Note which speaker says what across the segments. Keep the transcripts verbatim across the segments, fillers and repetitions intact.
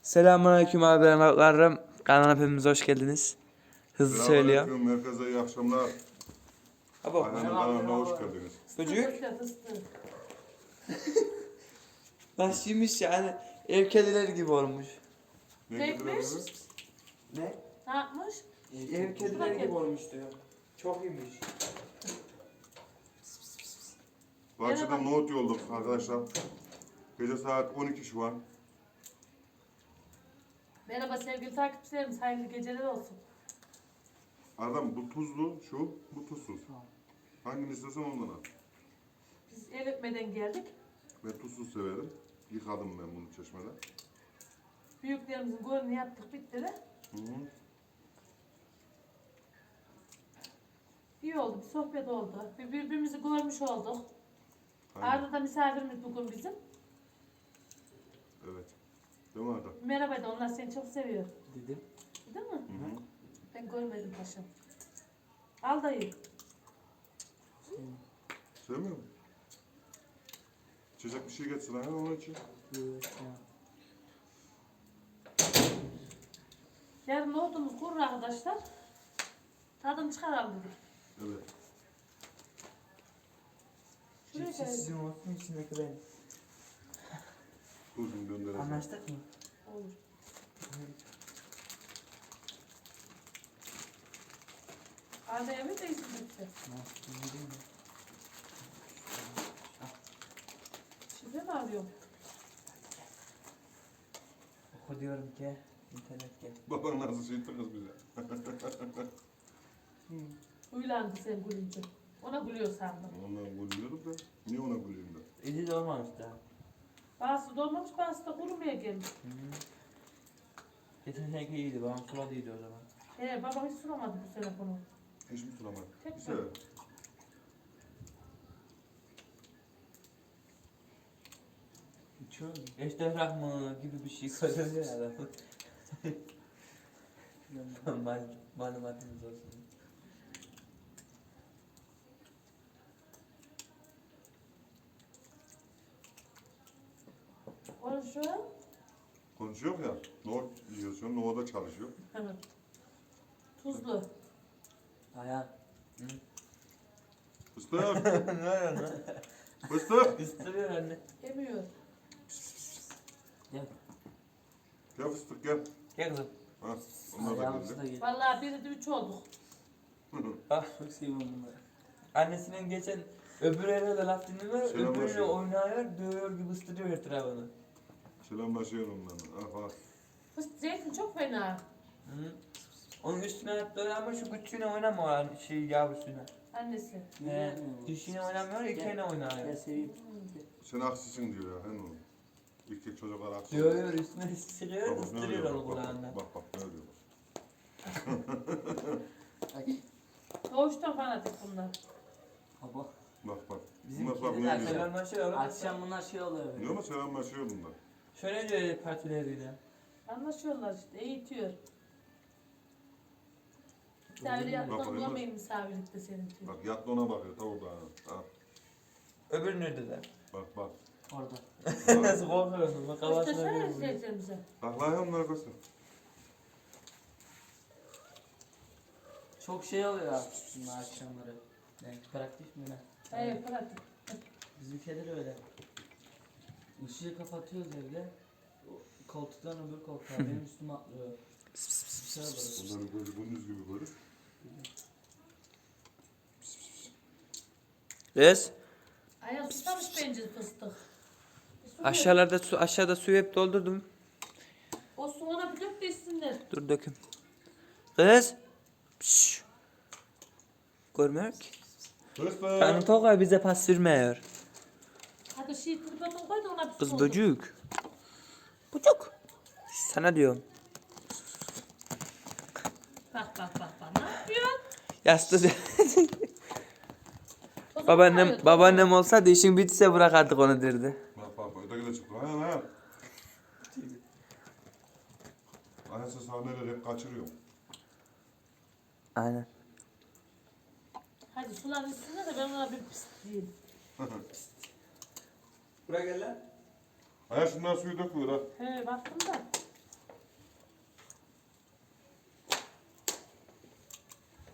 Speaker 1: Selamünaleyküm abilerim. Kanalına hepiniz hoş geldiniz. Hızlı söylüyor.
Speaker 2: Selamünaleyküm, herkese iyi akşamlar.
Speaker 1: Abo.
Speaker 2: Ayhan'ın kanalına hoş geldiniz.
Speaker 1: Çocuk. Başıymış yani ev kedileri gibi olmuş.
Speaker 2: Ne
Speaker 3: Pekmiş.
Speaker 2: getirebiliriz?
Speaker 1: Ne?
Speaker 3: Ne yapmış?
Speaker 1: Ev kedileri gibi olmuş diyor. Çok iyiymiş.
Speaker 2: Bahçeden nohut yolladık arkadaşlar. Gece saat on iki şu an.
Speaker 3: Merhaba sevgili takipçilerimiz, hayırlı geceler olsun.
Speaker 2: Adam bu tuzlu, şu, bu tuzsuz. Hangini istersen ondan al.
Speaker 3: Biz el öpmeden geldik.
Speaker 2: Ben tuzsuz severim. Yıkadım ben bunu çeşmede.
Speaker 3: Büyüklerimizin golünü yaptık, bitti de.
Speaker 2: Hı hı.
Speaker 3: İyi oldu, bir sohbet oldu. Bir birbirimizi görmüş olduk.
Speaker 2: Aynen.
Speaker 3: Arda da misafirimiz bugün bizim.
Speaker 2: Evet. Değil mi Arda?
Speaker 3: Merhaba de, onlar seni çok seviyor.
Speaker 1: Dedim.
Speaker 3: Değil mi?
Speaker 2: Hı hı.
Speaker 3: Ben görmedim paşam. Al dayı.
Speaker 2: Sevmiyor musun? İçecek bir şey getirsin Ayhan onun için.
Speaker 3: Yarın nohutumuz kurur arkadaşlar. Tadını çıkaralım dedik.
Speaker 2: Evet.
Speaker 3: Şuraya
Speaker 1: Cipsi
Speaker 3: gelelim.
Speaker 1: sizin olsun içindeki benim.
Speaker 2: Dur şimdi döndüreceğim.
Speaker 1: Anlaştık mı?
Speaker 3: Olur. Arda'ya bir de isim lütfen. Şifre mi arıyorum?
Speaker 1: Oku diyorum ki internet gel.
Speaker 2: Baban nasıl şey kız bize.
Speaker 3: Uylandı sen gülünce. Ona gülüyor sandım.
Speaker 2: Ondan gülüyorduk da. Niye ona gülüyorum da?
Speaker 1: İyi de olmamış daha.
Speaker 3: Bazısı dolmamış, bazısı da kurumaya gelmiş.
Speaker 1: Geçen seneki iyiydi, babam suladıydı o zaman.
Speaker 3: He, babam hiç sulamadı bu sene bunu.
Speaker 2: Hiç mi tutamadım?
Speaker 3: Tek
Speaker 2: Bir sefer.
Speaker 1: İçiyor mu? Eştefrak mı gibi bir şey söylüyor ya adam. Mal, malumatınız olsun.
Speaker 3: Konuşuyor.
Speaker 2: Konuşuyor ya. Nohut yiyorsun, nohuda çalışıyor.
Speaker 3: Evet. Tuzlu.
Speaker 1: Ayağım.
Speaker 2: Fıstık,
Speaker 1: Ne var lan?
Speaker 2: fıstık.
Speaker 1: Kıstırıyor anne.
Speaker 3: Yemiyor.
Speaker 1: Gel.
Speaker 2: Gel fıstık gel.
Speaker 1: Gel kızım.
Speaker 2: Ha, onlar da
Speaker 1: Ayağımızı da
Speaker 2: geldi.
Speaker 1: gel.
Speaker 3: Vallahi biri de üç olduk.
Speaker 1: Ah çok seviyorum bunları. Annesinin geçen öbür eve de laf dinlemiyor,
Speaker 2: Selam
Speaker 1: öbürüyle
Speaker 2: başlıyor.
Speaker 1: oynuyor, dövüyor gibi ıstırıyor etrafını.
Speaker 2: Selamlaşıyorum onlarla. Ah ah.
Speaker 3: Fıstık zeytin çok fena.
Speaker 1: Hı. Onun üstüne atıyor ama şu küçüğüne oynamıyor lan, şey yavrusuna.
Speaker 3: Annesi.
Speaker 1: He, dişine oynamıyor, ikiğine oynuyor.
Speaker 2: Sen aksisin diyor ya. Hen oğlum. İlk çocuklar aksi.
Speaker 1: Dövüyor, üstüne siliyor,
Speaker 2: Bak, bak, ne
Speaker 1: ıstırıyor
Speaker 2: diyor,
Speaker 1: onu
Speaker 2: bak, bak,
Speaker 1: kulağından.
Speaker 2: Bak bak ne diyor.
Speaker 3: Doğuştan fanatik bunlar.
Speaker 4: Baba.
Speaker 2: Bak bak.
Speaker 1: Bizim
Speaker 2: Bunlar bak
Speaker 1: kediler
Speaker 2: ne diyor.
Speaker 1: selamlaşıyor oğlum.
Speaker 4: Akşam bunlar şey oluyor.
Speaker 2: Diyor mu selamlaşıyor bunlar.
Speaker 1: Şöyle diyor partileriyle.
Speaker 3: Anlaşıyorlar işte, eğitiyor. Misafir yaptan
Speaker 2: Bak,
Speaker 3: görmeyin misafirlikte senin diyor.
Speaker 2: Bak yatlı ona bakıyor tavuk da. Ha.
Speaker 1: Öbür nerede de?
Speaker 2: Bak bak.
Speaker 4: Orada.
Speaker 1: Nasıl korkuyorsun? Bak kafasına
Speaker 3: Göstersene
Speaker 1: bir vuruyor.
Speaker 3: izleyicilerimize.
Speaker 2: Bak lan ya bunlar göster.
Speaker 4: Çok şey oluyor aslında akşamları. Yani praktik mi ne?
Speaker 3: Hayır, pratik.
Speaker 4: Bizimkiler öyle. Işığı kapatıyoruz evde. O koltuktan öbür koltuğa benim üstüme atlıyor. Bir şey oluyor.
Speaker 2: Onların gözü gündüz gibi böyle.
Speaker 1: Kız,
Speaker 3: Ayağım susamış bence fıstık. Bir su ver.
Speaker 1: aşağılarda su, aşağıda suyu hep doldurdum.
Speaker 3: O su ona bir dök de içsinler.
Speaker 1: Dur döküm. Kız. Şşş. Görmüyor ki.
Speaker 2: Fıstık.
Speaker 1: Yani Tokay bize pas vermiyor.
Speaker 3: Hadi şey tripodunu koy da ona bir su
Speaker 1: Kız
Speaker 3: doldur.
Speaker 1: böcük. Böcük. Sana diyorum.
Speaker 3: Bak bak bak bak. Ne yapıyorsun?
Speaker 1: Yastığı.
Speaker 3: Tozu
Speaker 1: babaannem
Speaker 3: koyuyor,
Speaker 1: babaannem olsaydı işin bitse bırakardık onu derdi.
Speaker 2: Bak bak bak öteki de çıktı. Ayhan ayhan. Ayhan sen sahneleri hep kaçırıyor.
Speaker 1: Aynen.
Speaker 3: Hadi sular içsinler de ben ona bir pis diyeyim.
Speaker 1: Buraya gel lan.
Speaker 2: Ayhan şundan suyu dökmüyor ha.
Speaker 3: He baktım da.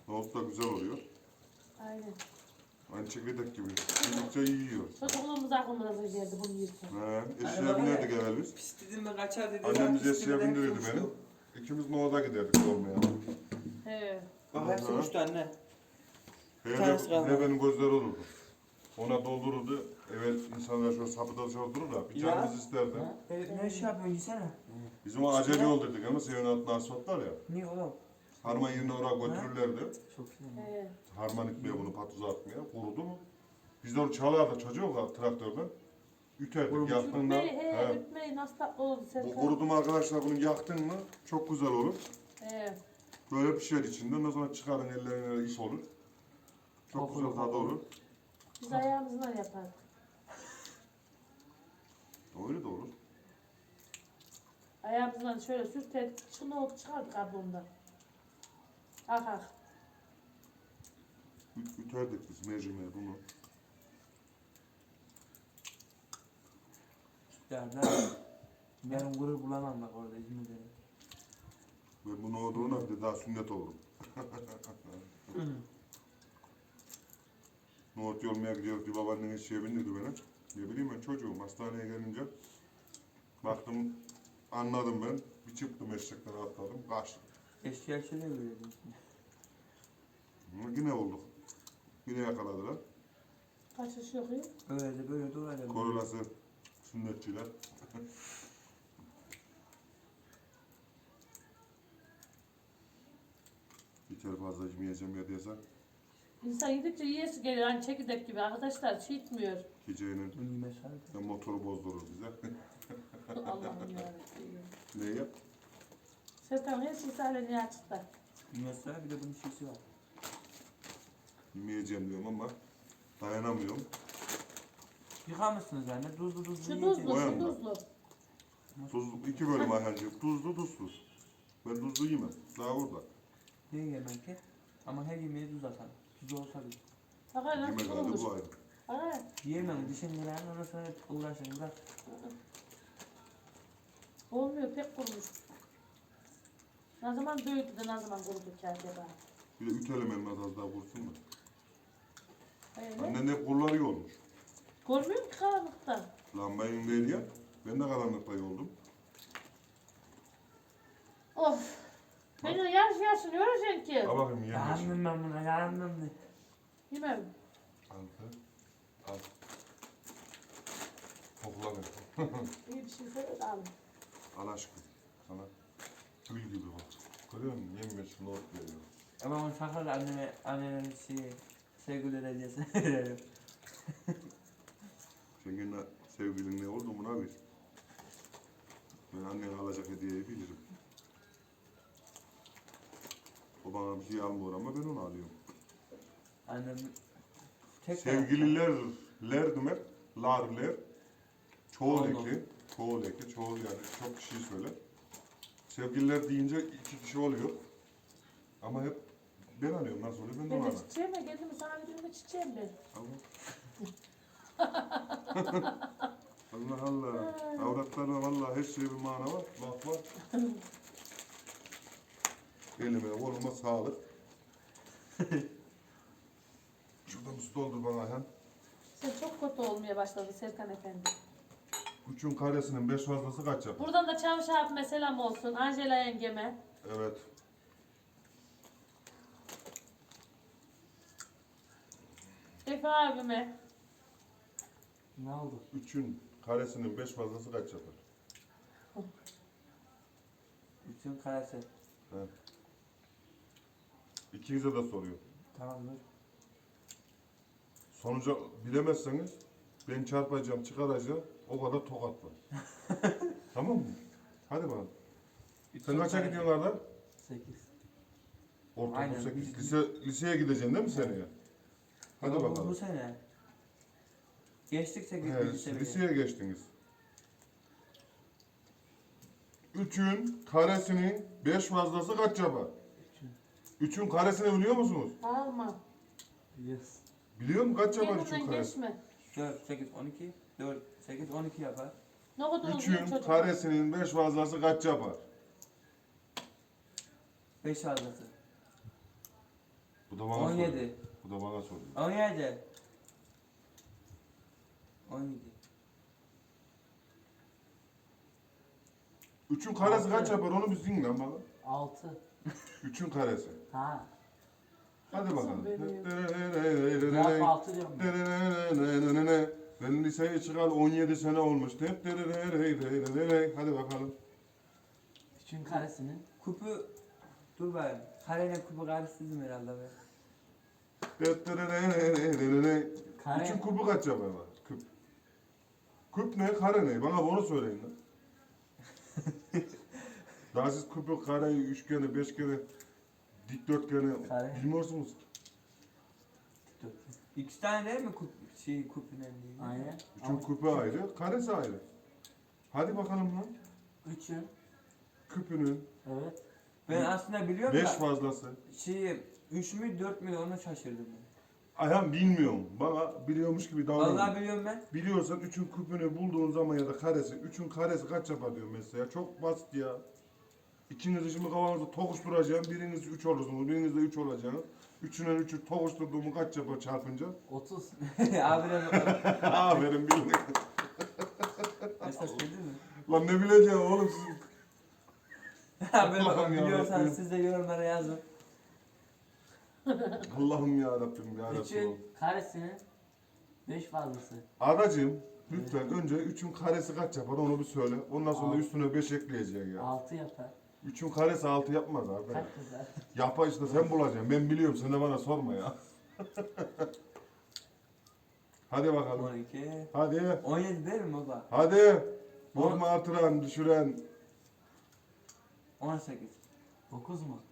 Speaker 2: Nohut da güzel oluyor.
Speaker 3: Aynen.
Speaker 2: Aynı çekirdek gibi. Yedikçe yiyor.
Speaker 3: Çocukluğumuz aklımıza geldi bunu yerken.
Speaker 2: He, eşeğe binerdik evvel biz.
Speaker 1: Pis dedim mi kaçar dedi.
Speaker 2: Annemiz
Speaker 1: Pis
Speaker 2: eşeğe
Speaker 1: demeden
Speaker 2: bindirirdi
Speaker 1: uçtu.
Speaker 2: beni. İkimiz nohuda giderdik olmaya.
Speaker 3: He.
Speaker 1: Bak hepsi uçtu anne. tanesi
Speaker 2: Hele
Speaker 1: kalmadı.
Speaker 2: ne benim gözleri olurdu. Ona doldururdu. Evet insanlar şöyle sapıda dışarı durur da bir
Speaker 1: Ya.
Speaker 2: canımız isterdi.
Speaker 1: E, ne şey yapıyorsun yesene.
Speaker 2: Bizim o acele yol dedik ama senin altında asfalt var ya.
Speaker 1: Niye oğlum?
Speaker 2: Harman yerine oraya götürürlerdi.
Speaker 1: Çok güzel.
Speaker 3: He.
Speaker 2: Harman itmeye bunu patuza atmaya. Kurudu mu? Biz de onu çalardık çocuk var traktörden. Üterdik
Speaker 1: Kurumuş.
Speaker 2: yaktığında.
Speaker 3: Ütmeyi, he,
Speaker 2: He.
Speaker 3: ütmeyi nasıl tatlı oldu
Speaker 2: Bu
Speaker 3: Serkan.
Speaker 2: kurudu mu arkadaşlar bunu yaktın mı çok güzel olur.
Speaker 3: He.
Speaker 2: Böyle pişer içinde. Ondan sonra çıkarın ellerine iş olur. Çok
Speaker 1: Kokulu,
Speaker 2: güzel tadı
Speaker 1: kokulu.
Speaker 2: olur.
Speaker 3: Biz ayağımızla yapardık.
Speaker 2: Öyle de olur.
Speaker 3: Ayağımızla şöyle sürterdik. Şunu olup çıkardık kabuğundan. Ak ak.
Speaker 2: Üt- Üterdik biz mercimeği bunu.
Speaker 1: Derler. Yarın gurur bulamam bak orada İzmir'de.
Speaker 2: Ve bunu olduğuna bir de daha sünnet olurum. Nohut yolmaya gidiyoruz diye babaannem eşeğe bindirdi beni. Ne bileyim ben çocuğum hastaneye gelince baktım anladım ben. Bir çıktım eşekten atladım kaçtım.
Speaker 1: Eşkıya şöyle görüyordum.
Speaker 2: Ama yine olduk. Yine yakaladılar.
Speaker 3: Kaçış yok ya.
Speaker 1: Öyle de böyle de öyle.
Speaker 2: Korolası sünnetçiler. Yeter fazla yemeyeceğim ya diyesen
Speaker 3: İnsan yedikçe yiyesi geliyor. Hani çekirdek gibi. Arkadaşlar şey itmiyor.
Speaker 2: gecenin
Speaker 1: Bunu yemez hadi.
Speaker 2: motoru bozdurur bize.
Speaker 3: Allah'ım yarabbim.
Speaker 2: Ne yap?
Speaker 3: Serkan her şey sahneye açıkta.
Speaker 1: Yemez hadi bir de bunun şişi var.
Speaker 2: Yemeyeceğim diyorum ama dayanamıyorum.
Speaker 1: Yıkar mısınız anne? Tuzlu tuzlu
Speaker 3: Şu
Speaker 1: yiyeceğim.
Speaker 3: tuzlu,
Speaker 2: Koyalım
Speaker 3: şu
Speaker 2: da.
Speaker 3: tuzlu.
Speaker 2: Tuzlu, iki bölüm Ayhancığım. Tuzlu tuzsuz. Ben tuzlu yemem. Daha orada.
Speaker 1: Niye yemem ki? Ama her yemeğe tuz atarım. Tuz olsa bile.
Speaker 3: Bakar nasıl
Speaker 2: Yemek herhalde
Speaker 3: olmuş.
Speaker 2: bu ayrı.
Speaker 3: Bakar.
Speaker 1: Yiyemem. Dişin veren ondan sonra uğraşın. Bırak.
Speaker 3: Olmuyor pek kurumuş. Ne zaman büyüdü de ne zaman kurudu ki acaba?
Speaker 2: Bir de ütelim elmaz az daha vursun da.
Speaker 3: Öyle.
Speaker 2: Annen hep kurları iyi olmuş.
Speaker 3: Görmüyor ki karanlıkta.
Speaker 2: Lambayın değil ya. Ben de karanlıkta yoldum.
Speaker 3: Of. Beni yarış yarışın yoracaksın ki.
Speaker 2: Al bakayım yemiş.
Speaker 1: Yandım ben buna. Yandım.
Speaker 3: Yemem.
Speaker 2: Altı. Al. Kokla ver.
Speaker 3: İyi bir şey söyle de alın.
Speaker 2: Al aşkım. Sana gül gibi bak. Görüyor musun? Yemiş not veriyor.
Speaker 1: Ama onu sakın anneme, annenin şeyi, sevgili hediyesi verelim.
Speaker 2: Sen gene sevgilin ne oldu buna bir. Ben annen alacak hediyeyi bilirim. O bana bir şey almıyor ama ben onu alıyorum.
Speaker 1: Annem tek
Speaker 2: Sevgililer, ler demek, larler, çoğul
Speaker 1: Oldu.
Speaker 2: eki, çoğul eki, çoğul yani çok kişi söyler. Sevgililer deyince iki kişi oluyor. Ama hep ben alıyorum, nasıl oluyor ben de
Speaker 3: Ben
Speaker 2: onu
Speaker 3: de
Speaker 2: alıyorum.
Speaker 3: çiçeğim ya geldim sana bir çiçeğim ben.
Speaker 2: Allah Allah. Avratlarına vallahi her şeye bir mana var. Bak bak. Elime, koluma sağlık. Şuradan su doldur bana Ayhan.
Speaker 3: Sen çok kötü olmaya başladı Serkan Efendi.
Speaker 2: Üçün karesinin beş fazlası kaç yapar?
Speaker 3: Buradan da Çavuş abime selam olsun. Angela yengeme.
Speaker 2: Evet.
Speaker 3: Efe abime.
Speaker 1: Ne oldu?
Speaker 2: Üçün karesinin beş fazlası kaç yapar?
Speaker 1: Bütün karesi.
Speaker 2: İkinize de soruyor.
Speaker 1: Tamamdır.
Speaker 2: Sonuca bilemezseniz ben çarpacağım, çıkaracağım. O kadar tokat var. Tamam mı? Hadi bakalım. Sen kaça gidiyorsun Arda?
Speaker 1: Sekiz.
Speaker 2: Ortaokul
Speaker 1: Aynen,
Speaker 2: sekiz.
Speaker 1: biz-
Speaker 2: Lise, liseye gideceksin değil mi seneye? Hadi
Speaker 1: Ama bu-
Speaker 2: bakalım.
Speaker 1: Bu sene. Geçtik sekiz
Speaker 2: He,
Speaker 1: birinci seviye.
Speaker 2: liseye geçtiniz. Üçün karesinin beş fazlası kaç yapar?
Speaker 1: Üçün.
Speaker 2: Üçün karesini biliyor musunuz?
Speaker 3: Alma.
Speaker 1: Yes.
Speaker 2: Biliyor musun kaç yapar üçün
Speaker 3: Kendinden
Speaker 2: karesi?
Speaker 3: geçme.
Speaker 1: dört, sekiz, on iki. dört, sekiz, on iki yapar.
Speaker 3: Ne kadar oluyor
Speaker 2: Üçün
Speaker 3: çocuk?
Speaker 2: karesinin beş fazlası kaç yapar?
Speaker 1: beş fazlası.
Speaker 2: Bu da bana
Speaker 1: on
Speaker 2: soruyor.
Speaker 1: yedi.
Speaker 2: Bu da bana soruyor.
Speaker 1: on yedi. on yedi.
Speaker 2: üçün karesi
Speaker 4: Altı.
Speaker 2: kaç yapar onu bir zing lan bana.
Speaker 4: altı.
Speaker 2: üçün karesi.
Speaker 4: Ha.
Speaker 2: Hadi bakalım.
Speaker 4: Cevap altı diyorum ben.
Speaker 2: Ben liseye çıkalı on yedi sene olmuş. Hadi bakalım.
Speaker 4: üçün karesinin.
Speaker 1: Kupu dur bakayım. Kareyle kupu karıştırdım herhalde be.
Speaker 4: Kare.
Speaker 2: üçün kubu kaç yapar lan? Küp. Küp ne? Kare ne? Bana bunu söyleyin lan. Daha siz küpü, kareyi, üçgeni, beşgeni, dikdörtgeni
Speaker 4: Kare.
Speaker 2: bilmiyorsunuz.
Speaker 1: İki tane değil mi kup şey kupun endiği?
Speaker 4: Aynen.
Speaker 2: üçün
Speaker 4: Ama
Speaker 2: küpü ayrı, karesi ayrı. Hadi bakalım lan.
Speaker 4: üçün.
Speaker 2: Küpünün
Speaker 4: Evet.
Speaker 1: Ben aslında biliyorum
Speaker 2: beş
Speaker 1: da
Speaker 2: fazlası.
Speaker 1: şey üç mü dört mü onu şaşırdım ben.
Speaker 2: Ayhan bilmiyorum. Bana biliyormuş gibi davranıyor.
Speaker 1: Vallahi biliyorum ben.
Speaker 2: Biliyorsan üçün küpünü bulduğun zaman ya da karesi, üçün karesi kaç yapar diyorum mesela. Çok basit ya. İkiniz şimdi kafanızda tokuşturacağım. Biriniz üç olursunuz, biriniz de üç olacaksınız. Üçüne üçü tokuşturduğumu kaç yapar çarpınca?
Speaker 4: otuz.
Speaker 1: Abi de
Speaker 2: Aferin bildin.
Speaker 1: esas bildin mi?
Speaker 2: Lan ne bileceğim oğlum siz.
Speaker 1: Abi
Speaker 2: Allah'ım ya
Speaker 1: biliyorsanız
Speaker 2: Rabbim.
Speaker 1: siz de yorumlara yazın.
Speaker 2: Allah'ım ya Rabbim ya Rabbim.
Speaker 4: üçün karesinin beş fazlası.
Speaker 2: Adacığım lütfen önce üçün karesi kaç yapar onu bir söyle. Ondan sonra
Speaker 4: Altı.
Speaker 2: üstüne beş ekleyeceksin ya.
Speaker 4: altı yapar.
Speaker 2: üçün karesi altı yapmaz abi.
Speaker 4: Kaç yazar?
Speaker 2: Yapar işte sen bulacaksın. Ben biliyorum sen de bana sorma ya. Hadi bakalım.
Speaker 1: on iki.
Speaker 2: Hadi.
Speaker 1: on yedi değil mi baba?
Speaker 2: Hadi. Bozma artıran, düşüren.
Speaker 1: on sekiz.
Speaker 4: dokuz mu?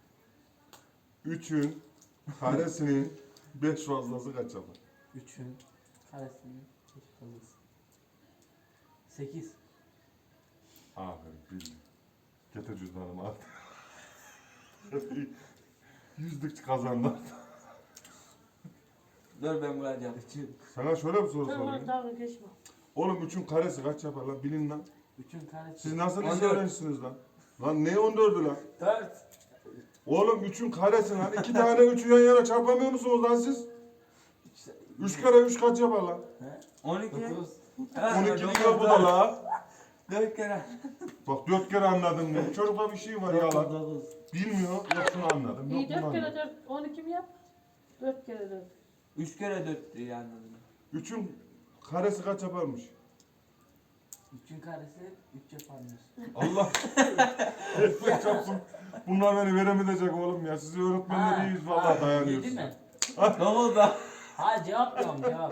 Speaker 2: üçün karesinin beş fazlası kaç yapar?
Speaker 4: üçün karesinin beş fazlası. sekiz.
Speaker 2: Aferin bildim. Getir cüzdanımı al. Yüzlük kazandı.
Speaker 1: Dur ben bulacağım.
Speaker 4: üçün.
Speaker 2: Sana şöyle bir soru
Speaker 3: Sen ona
Speaker 2: sorayım.
Speaker 3: dalga geçme.
Speaker 2: Oğlum üçün karesi kaç yapar lan? Bilin lan.
Speaker 4: üçün karesi.
Speaker 2: Siz nasıl
Speaker 1: on
Speaker 2: lise
Speaker 1: dört.
Speaker 2: öğrencisiniz lan? Lan ne on dördü lan?
Speaker 1: dört.
Speaker 2: Oğlum üçün karesi lan. İki tane üçü yan yana çarpamıyor musunuz lan siz? Üç kere üç kaç yapar lan?
Speaker 4: He?
Speaker 1: on iki.
Speaker 4: dokuz.
Speaker 1: Ha,
Speaker 2: On iki
Speaker 1: dokuz,
Speaker 2: diyor bu da
Speaker 1: dört.
Speaker 2: la.
Speaker 1: dört kere.
Speaker 2: Bak dört kere anladım ben. Çocukta bir şey var ya
Speaker 4: dokuz.
Speaker 2: lan.
Speaker 4: dokuz.
Speaker 2: Bilmiyor. Yok şunu anladım. Yok
Speaker 3: İyi
Speaker 2: bunu
Speaker 3: dört kere
Speaker 2: anladım.
Speaker 3: dört, on iki mi yap? Dört kere dört.
Speaker 1: üç kere dört diye anladım.
Speaker 2: Üçün karesi kaç yaparmış?
Speaker 4: üçün karesi üç yaparmış.
Speaker 2: Allah. Ekmek çarpsın. Bunlar beni veremeyecek oğlum ya. Sizi öğretmenler
Speaker 4: Ha,
Speaker 2: iyiyiz
Speaker 4: ha,
Speaker 2: vallahi
Speaker 4: yedi
Speaker 2: dayanıyorsunuz.
Speaker 4: mi?
Speaker 1: Ne oldu?
Speaker 4: Ha cevap diyorum cevap.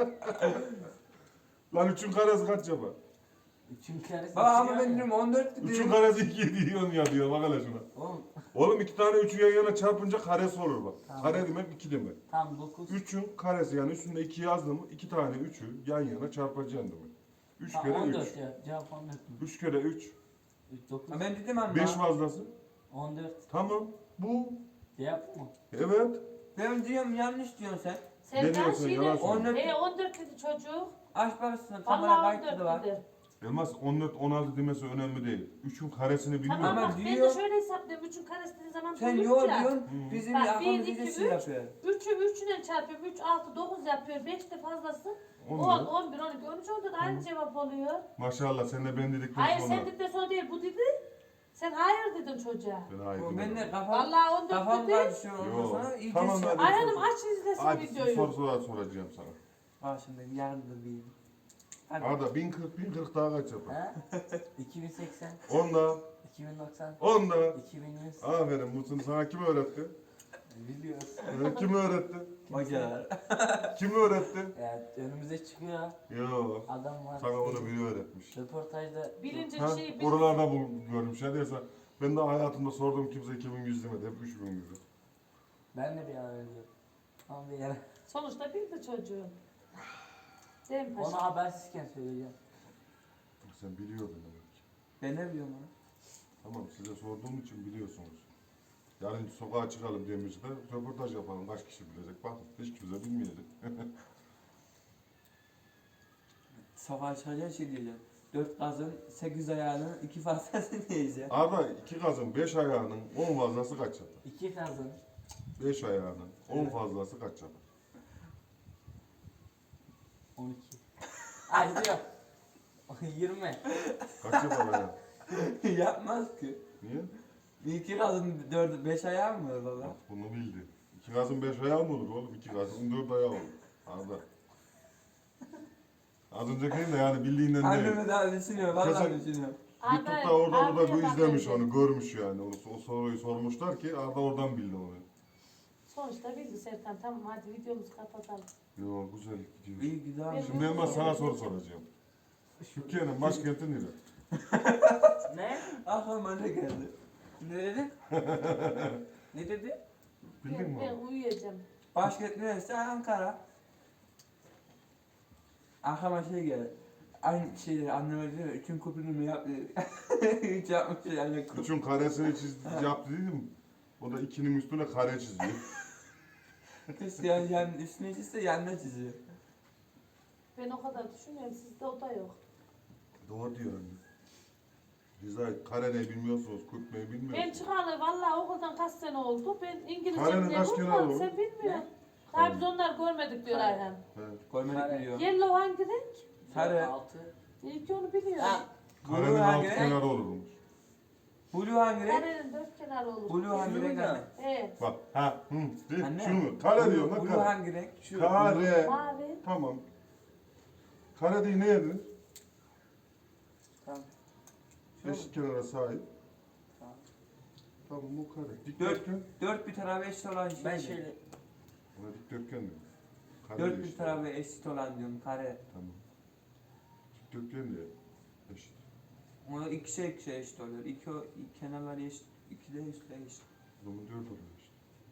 Speaker 2: Lan üçün karesi kaç yapar?
Speaker 4: üçün karesi.
Speaker 1: Baba
Speaker 4: iki
Speaker 1: ama
Speaker 4: diyor
Speaker 1: ben
Speaker 4: ya.
Speaker 1: diyorum on dört
Speaker 2: Üçün
Speaker 1: diyorum.
Speaker 2: karesi iki diyorsun ya diyor. Bak hele şuna.
Speaker 4: Oğlum
Speaker 2: Oğlum iki tane üçü yan yana çarpınca karesi olur bak.
Speaker 4: Tamam.
Speaker 2: Kare demek iki demek.
Speaker 4: tam dokuz.
Speaker 2: üçün karesi yani üstünde iki yazdım mı iki tane üçü yan yana çarpacaksın demek. Üç
Speaker 4: Ha,
Speaker 2: kere
Speaker 4: on
Speaker 2: üç.
Speaker 4: dört ya. Cevap on dört mü?
Speaker 2: Üç kere üç.
Speaker 4: üç, dokuz.
Speaker 1: Ha, ben dedim ama.
Speaker 2: Beş fazlası.
Speaker 4: on dört.
Speaker 2: Tamam. Bu.
Speaker 4: Cevap mı?
Speaker 2: Evet.
Speaker 1: Ben diyorum yanlış diyorsun sen.
Speaker 3: Sen
Speaker 2: Ne
Speaker 3: daha
Speaker 2: diyorsun,
Speaker 3: şeyle...
Speaker 2: yalan söylüyorsun.
Speaker 1: on dört.
Speaker 3: E on dört dedi çocuk.
Speaker 1: Aç bakısın kamera
Speaker 3: Vallahi on
Speaker 1: kayıtlı da var.
Speaker 3: dört dedi.
Speaker 2: Elmas on dört on altı demesi önemli değil. üçün karesini biliyor
Speaker 3: Tamam
Speaker 1: Ama
Speaker 3: bak ben
Speaker 1: diyor-
Speaker 3: de şöyle hesaplıyorum. Üçün karesi dediği zaman
Speaker 1: Sen
Speaker 3: üç
Speaker 1: yok
Speaker 3: ya.
Speaker 1: diyorsun.
Speaker 2: Hı.
Speaker 1: Bizim
Speaker 3: Bak, bir,
Speaker 1: aklımız
Speaker 3: iki,
Speaker 1: iyice
Speaker 3: üç.
Speaker 1: şey yapıyor.
Speaker 3: Üçü üçünden çarpıyorum. Üç, altı, dokuz yapıyor. Beş de fazlası.
Speaker 2: On
Speaker 3: on,
Speaker 2: dört.
Speaker 3: on bir, on iki, on üç, on dört aynı cevap oluyor.
Speaker 2: Maşallah sen de ben dedikten
Speaker 3: Hayır
Speaker 2: sonra.
Speaker 3: sen dedikten sonra değil bu dedi. Sen hayır dedin çocuğa.
Speaker 2: Ben hayır
Speaker 1: O
Speaker 2: demedim.
Speaker 1: ben de kafam,
Speaker 3: Vallahi on dört
Speaker 1: kafam
Speaker 3: dedi.
Speaker 1: karışıyor ondan
Speaker 2: Yo.
Speaker 1: sonra iyice
Speaker 2: Tamam,
Speaker 1: şey
Speaker 2: hadi.
Speaker 1: yapıyor.
Speaker 3: Ayhan'ım aç izlesin
Speaker 2: Hadi bir
Speaker 3: videoyu.
Speaker 2: soru soru soracağım sana.
Speaker 1: Ha şimdi yarın da bir. Hadi.
Speaker 2: Arda bin kırk bin kırk daha kaç yapar?
Speaker 4: Ha? iki bin seksen.
Speaker 2: Onda.
Speaker 4: iki bin doksan.
Speaker 2: Onda.
Speaker 4: iki bin yüz.
Speaker 2: Aferin Musun sana kim öğretti?
Speaker 4: Biliyoruz.
Speaker 2: Ee, kim öğretti?
Speaker 1: Hocalar.
Speaker 2: Kim öğretti?
Speaker 4: Evet önümüze çıkıyor.
Speaker 2: Yo.
Speaker 4: Adam var.
Speaker 2: Sana onu biri öğretmiş.
Speaker 4: Röportajda
Speaker 3: Bilince
Speaker 2: Ha,
Speaker 3: şeyi bil.
Speaker 2: oralarda bul görmüş. Ya diyorsa ben de hayatımda sorduğum kimse iki bin yüz demedi. Hep üç bin yüz.
Speaker 4: ben de bir ara öyle diyorum. Ama bir yere.
Speaker 3: Sonuçta bildi çocuğu. Değil mi paşa?
Speaker 4: Onu habersizken söyleyeceğim.
Speaker 2: Sen biliyordun demek ki.
Speaker 1: Ben ne biliyorum onu?
Speaker 2: Tamam size sorduğum için biliyorsunuz. Yarın sokağa çıkalım demişti. Röportaj yapalım. Kaç kişi bilecek? Bakın hiç kimse bilmeyecek.
Speaker 1: Sokağa çıkacağın şey diyeceğim. Dört gazın, sekiz ayağının iki fazlasını diyeceğim.
Speaker 2: Arda iki kazın beş ayağının on fazlası kaç yapar?
Speaker 4: İki kazın.
Speaker 2: beş ayağının on fazlası kaç yapar?
Speaker 4: on iki. Ay diyor. yirmi.
Speaker 2: Kaç yapar ayağı?
Speaker 1: Yapmaz ki.
Speaker 2: Niye?
Speaker 1: İki kadın dört, beş ayağı mı var baba?
Speaker 2: Bak bunu bildi. İki gazın beş ayağı mı olur oğlum? İki gazın dört ayağı olur. Arda. Az öncekinin de yani bildiğinden değil.
Speaker 1: Annemi daha düşünüyor, vallahi
Speaker 2: Kesin-
Speaker 1: düşünüyor.
Speaker 2: YouTube'da orada orada
Speaker 3: Arda'ya
Speaker 2: bu
Speaker 3: bak
Speaker 2: izlemiş
Speaker 3: önce.
Speaker 2: onu, görmüş yani. Onu, o soruyu sormuşlar ki Arda oradan bildi onu.
Speaker 3: Sonuçta bildi Serkan. Tamam hadi videomuzu kapatalım.
Speaker 2: Yo güzel gidiyor.
Speaker 1: İyi güzel.
Speaker 2: Şimdi hemen sana soru soracağım. Türkiye'nin başkenti nere?
Speaker 4: Ne?
Speaker 1: Aklıma ne geldi?
Speaker 4: Ne dedi? Ne dedi?
Speaker 2: Bildin
Speaker 3: Ben,
Speaker 2: mi
Speaker 3: ben
Speaker 2: abi?
Speaker 3: uyuyacağım.
Speaker 1: Başkent neresi? Ankara. Aklıma şey geldi. Aynı şeyleri anneme diyor, üçün kopunu mu yaptı? Hiç yapmış yani.
Speaker 2: Üçün karesini çizdi, yaptı dedim. O da ikinin üstüne kare çiziyor.
Speaker 1: Kız yani, yani üstüne çizse yanına çiziyor.
Speaker 3: Ben o kadar düşünüyorum. Sizde o da yok.
Speaker 2: Doğru diyor anne. Rıza kare ne bilmiyorsunuz, kök ne
Speaker 3: Ben
Speaker 2: bilmiyorsunuz.
Speaker 3: çıkalı vallahi okuldan kaç sene oldu. Ben İngilizce
Speaker 2: Karenin
Speaker 3: bile
Speaker 2: kaç kenarı
Speaker 3: unutmadım.
Speaker 2: olur?
Speaker 3: Sen bilmiyorsun.
Speaker 2: Kare.
Speaker 3: Daha biz onlar görmedik diyor
Speaker 4: Kare.
Speaker 3: Ayhan.
Speaker 2: Evet.
Speaker 1: Koymadık
Speaker 4: Kare.
Speaker 1: biliyor.
Speaker 3: Yellow hangi renk?
Speaker 1: Kare.
Speaker 4: altı.
Speaker 3: İyi ki onu biliyorum.
Speaker 4: Ha.
Speaker 2: Karenin
Speaker 1: Blue
Speaker 2: altı
Speaker 1: hangi renk?
Speaker 2: kenarı olurmuş.
Speaker 1: Blue hangi renk?
Speaker 3: Karenin dört kenarı olur.
Speaker 1: Blue hangi renk anne?
Speaker 3: Evet.
Speaker 2: Bak ha hı değil
Speaker 1: Anne.
Speaker 2: şu mu? Kare diyorum lan
Speaker 1: Blue
Speaker 2: kare.
Speaker 1: hangi renk? Şu.
Speaker 2: Kare.
Speaker 3: Mavi.
Speaker 2: Tamam. Kare değil ne yediniz?
Speaker 4: Tamam.
Speaker 2: Eşit kenara sahip.
Speaker 4: Tamam.
Speaker 2: Tamam bu kare.
Speaker 1: Dört,
Speaker 2: Dikdörtgen.
Speaker 1: dört bir tarafı eşit olan şey.
Speaker 4: Ben
Speaker 1: diyor.
Speaker 4: şöyle
Speaker 2: Buna dikdörtgen diyor. Kare
Speaker 1: Dört
Speaker 2: de
Speaker 1: bir
Speaker 2: eşit.
Speaker 1: tarafı eşit olan diyorum kare.
Speaker 2: Tamam. Dikdörtgen de eşit.
Speaker 1: Ona ikişer ikişer eşit oluyor. İki, o- iki kenarları eşit, iki de üstler eşit.
Speaker 2: O zaman dört oluyor işte.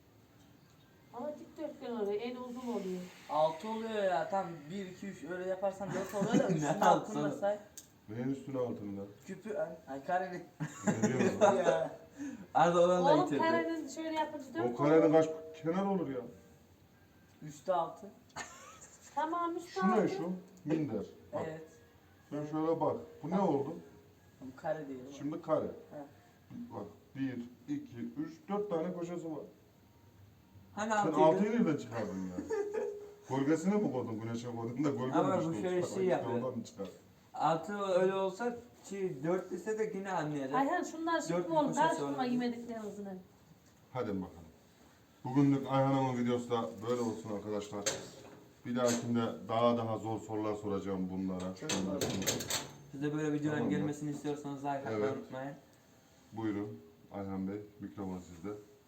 Speaker 3: Ama dikdörtgen oluyor. En uzun oluyor.
Speaker 4: altı oluyor ya. Tam bir, iki, üç öyle yaparsan dört oluyor da
Speaker 1: Ne
Speaker 4: üstünün
Speaker 1: altı
Speaker 4: altını da
Speaker 1: oğlum?
Speaker 4: say.
Speaker 2: Neyin üstüne altında?
Speaker 4: Küpü ay, ay karenin.
Speaker 2: Ne diyorsun lan?
Speaker 4: ya.
Speaker 1: Arada olan da
Speaker 3: Oğlum
Speaker 1: yitirdi.
Speaker 3: karenin şöyle yapınca dört
Speaker 2: O karenin
Speaker 3: olur.
Speaker 2: kaç kenar olur ya?
Speaker 4: Üstü altı.
Speaker 3: Tamam üstü
Speaker 2: Şu ne
Speaker 3: altı.
Speaker 2: şu? Minder. Bak.
Speaker 4: Evet.
Speaker 2: Sen şöyle bak. Bu ne oldu?
Speaker 4: Bu kare değil. Şimdi.
Speaker 2: Şimdi kare.
Speaker 4: He.
Speaker 2: Bak bir, iki, üç, dört tane köşesi var.
Speaker 1: Hani
Speaker 2: Sen
Speaker 1: altıydı?
Speaker 2: altıyı nereden çıkardın ya? Gölgesine mi koydun? Güneşe koydun da gölge
Speaker 1: Ama
Speaker 2: mi
Speaker 1: bu
Speaker 2: düştü?
Speaker 1: şöyle
Speaker 2: Bak,
Speaker 1: şey
Speaker 2: işte
Speaker 1: yapıyor.
Speaker 2: Oradan mı çıkar?
Speaker 1: Altı öyle olsa şey, dört dese de yine anlayacak.
Speaker 3: Ayhan şunlar
Speaker 1: Dört
Speaker 3: şimdi
Speaker 1: bir
Speaker 3: oğlum.
Speaker 1: köşesi
Speaker 3: Karıştırma
Speaker 1: olabilir.
Speaker 3: yemediklerinizin.
Speaker 2: Hadi bakalım. Bugünlük Ayhan Hanım'ın videosu da böyle olsun arkadaşlar. Bir dahakinde daha daha zor sorular soracağım bunlara.
Speaker 1: Siz de böyle videoların
Speaker 2: Tamam.
Speaker 1: gelmesini istiyorsanız like atmayı
Speaker 2: Evet.
Speaker 1: unutmayın.
Speaker 2: Buyurun Ayhan Bey, mikrofon sizde.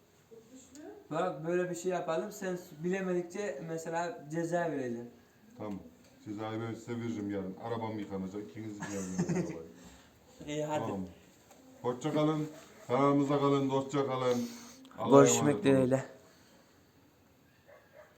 Speaker 1: Bak böyle bir şey yapalım. Sen bilemedikçe mesela ceza verelim.
Speaker 2: Tamam. Cezayı ben size veririm yarın. Arabam yıkanacak. İkiniz yarın.
Speaker 1: İyi hadi.
Speaker 2: Tamam. Hoşça kalın. Kanalımıza kalın. Dostça kalın. Allah'a
Speaker 1: Görüşmek
Speaker 2: emanet olun.
Speaker 1: dileğiyle.